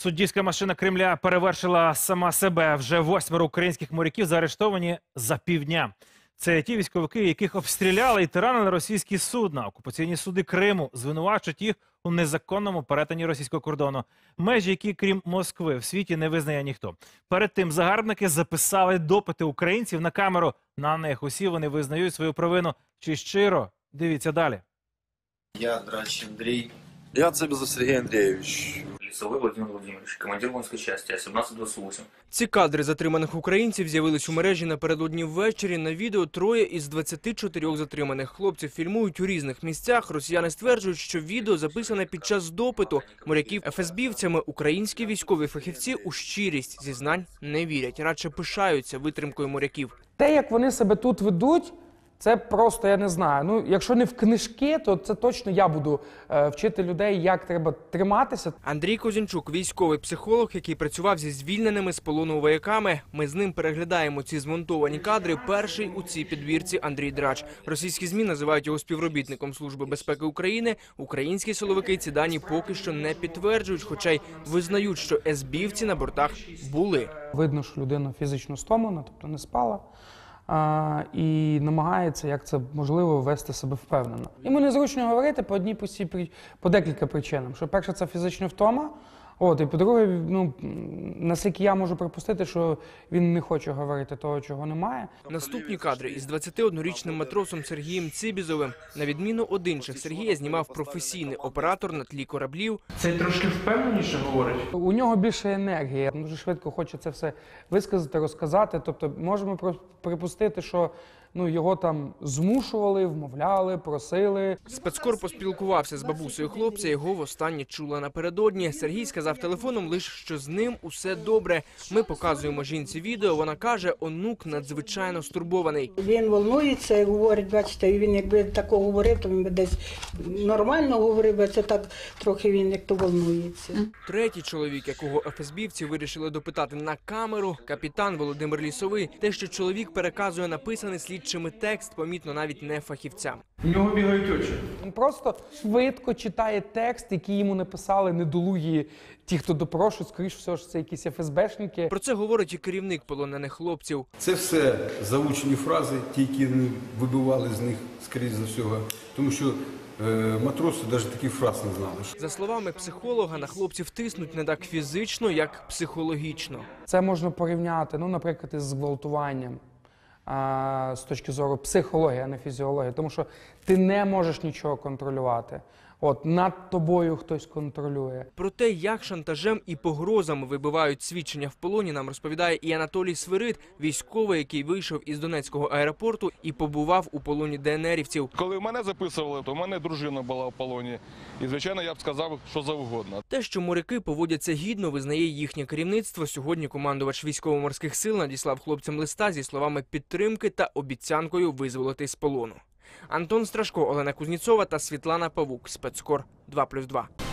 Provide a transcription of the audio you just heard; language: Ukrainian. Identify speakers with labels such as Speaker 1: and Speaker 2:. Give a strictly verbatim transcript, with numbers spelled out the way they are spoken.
Speaker 1: Суддівська машина Кремля перевершила сама себе. Вже восьмеро українських моряків заарештовані за півдня. Це ті військовики, яких обстріляли і тиранили російські судна. Окупаційні суди Криму звинувачують їх у незаконному перетині російського кордону. Межі, які, крім Москви, в світі не визнає ніхто. Перед тим загарбники записали допити українців на камеру. На них усі вони визнають свою провину. Чи щиро? Дивіться далі.
Speaker 2: Я Драч Андрей.
Speaker 3: Я Цыбизов Сергей Андреевич.
Speaker 4: Лісовий Владимир Владимирович, командир воинской части А сімнадцять двадцять вісім.
Speaker 5: Ці кадри затриманих українців з'явились у мережі напередодні ввечері. На відео троє із двадцяти чотирьох затриманих хлопців фільмують у різних місцях. Росіяни стверджують, що відео записане під час допиту моряків еф ес бівцями. Українські військові фахівці у щирість зізнань не вірять, радше пишаються витримкою моряків.
Speaker 6: Те, як вони себе тут ведуть, це просто, я не знаю, ну, якщо не в книжки, то це точно я буду е, вчити людей, як треба триматися.
Speaker 5: Андрій Козінчук – військовий психолог, який працював зі звільненими з полону вояками. Ми з ним переглядаємо ці змонтовані кадри. Перший у цій підбірці – Андрій Драч. Російські ЗМІ називають його співробітником Служби безпеки України. Українські силовики ці дані поки що не підтверджують, хоча й визнають, що ес бівці на бортах були.
Speaker 6: Видно, що людина фізично стомлена, тобто не спала. А, і намагається, як це можливо, вести себе впевнено. Йому незручно говорити по одній простій, по декілька причинам. Що перше, це фізична втома. От, і по-друге, ну, наскільки я можу припустити, що він не хоче говорити того, чого немає.
Speaker 5: Наступні кадри із двадцятиоднорічним матросом Сергієм Цибізовим. На відміну від інших, Сергія знімав професійний оператор на тлі кораблів.
Speaker 7: Це трошки впевненіше говорить?
Speaker 6: У нього більше енергії, дуже швидко хоче це все висказати, розказати. Тобто можемо припустити, що ну, його там змушували, вмовляли, просили.
Speaker 5: Спецкор поспілкувався з бабусею хлопця, його востаннє чула напередодні. Сергій сказав телефоном лише, що з ним усе добре. Ми показуємо жінці відео, вона каже, онук надзвичайно стурбований.
Speaker 8: Він волнується і говорить, бачите, він якби такого говорив, то він би десь нормально говорив, а це так трохи він як то волнується.
Speaker 5: Третій чоловік, якого еф ес бівці вирішили допитати на камеру, капітан Володимир Лісовий. Те, що чоловік переказує написаний слідчими текст, помітно навіть не фахівцям.
Speaker 7: У нього бігають очі.
Speaker 6: Він просто швидко читає текст, який йому написали недолугі ті, хто допрошують, скоріш всього, що це якісь еф ес бешники.
Speaker 5: Про це говорить і керівник полонених хлопців.
Speaker 9: Це все заучені фрази, ті, які вони вибивали з них, скоріш за всього, тому що е, матроси навіть таких фраз не знали.
Speaker 5: За словами психолога, на хлопців тиснуть не так фізично, як психологічно.
Speaker 6: Це можна порівняти, ну, наприклад, із зґвалтуванням. А, з точки зору психології, а не фізіології. Тому що ти не можеш нічого контролювати. От, над тобою хтось контролює.
Speaker 5: Про те, як шантажем і погрозами вибивають свідчення в полоні, нам розповідає і Анатолій Свирид, військовий, який вийшов із Донецького аеропорту і побував у полоні де en ерівців.
Speaker 10: Коли мене записували, то в мене дружина була в полоні. І, звичайно, я б сказав, що завгодно.
Speaker 5: Те, що моряки поводяться гідно, визнає їхнє керівництво. Сьогодні командувач військово-морських сил надіслав хлопцям листа зі словами підтримки та обіцянкою визволити з полону. Антон Страшко, Олена Кузніцова та Світлана Павук. Спецкор два плюс два.